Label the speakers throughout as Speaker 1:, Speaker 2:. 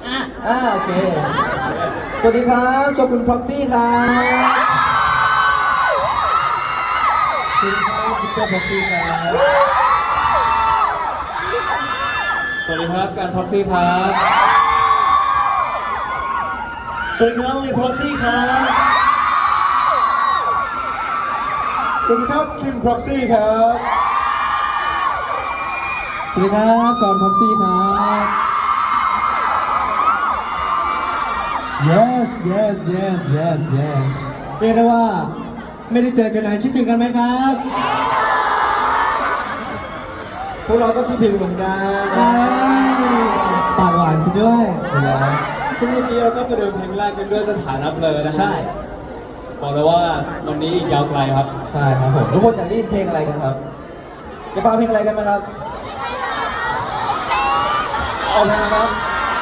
Speaker 1: โอเคสวัสดีครับโชกุน Proxy ครับสวัสดีครับพิเตอร์ Proxy ครับ
Speaker 2: สวัสดีครับการพ็อกซี่ครับ
Speaker 1: สวัสดีครับลี Proxy ครับ
Speaker 3: สวัสดีครับคิม Proxy ครับ
Speaker 1: สวัสดีครับกอน Proxy ครับ yes yes yes yes yes เรียกได้ว่าไม่ได้เจอกันนานคิดถึงกันไหมครับพวกเราก็คิดถึงเหมือนกันปากหวานซะด้วยนะ
Speaker 2: ซึ่งเมื่อกี้เราก็ประเดิมเพลงแรกกันด้วยสถานะเลยนะฮะ
Speaker 1: ใช่
Speaker 2: บอกเลยว่าวันนี้อีกยาวไกลครับ
Speaker 1: ใช่ครับผมทุกคนอยากได้ยินเพลงอะไรกันครับจะฟังเพลงอะไรกันไหมครับเอาเพลงอะไรครับ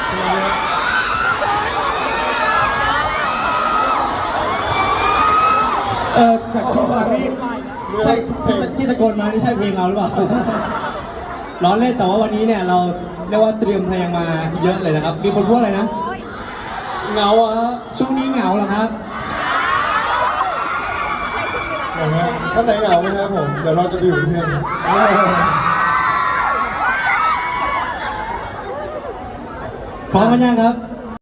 Speaker 1: จากที่ฟังนี่ใช่ที่ตะโกนมานี่ใช่เพลงเราหรือเปล่าล้อเล่นแต่ว่าวันนี้เนี่ยเราเรียกว่าเตรียมเพลงมาเยอะเลยนะครับมีคนพูดอะไรนะ
Speaker 2: เหงาอะ
Speaker 1: ช่วงนี้เหงาเหรอครับ
Speaker 3: ถ้าไหนเหงาไหมครับผมเดี๋ยวเราจะไปอยู่เป็นเพื่อน
Speaker 1: พร้อมกันยังครับ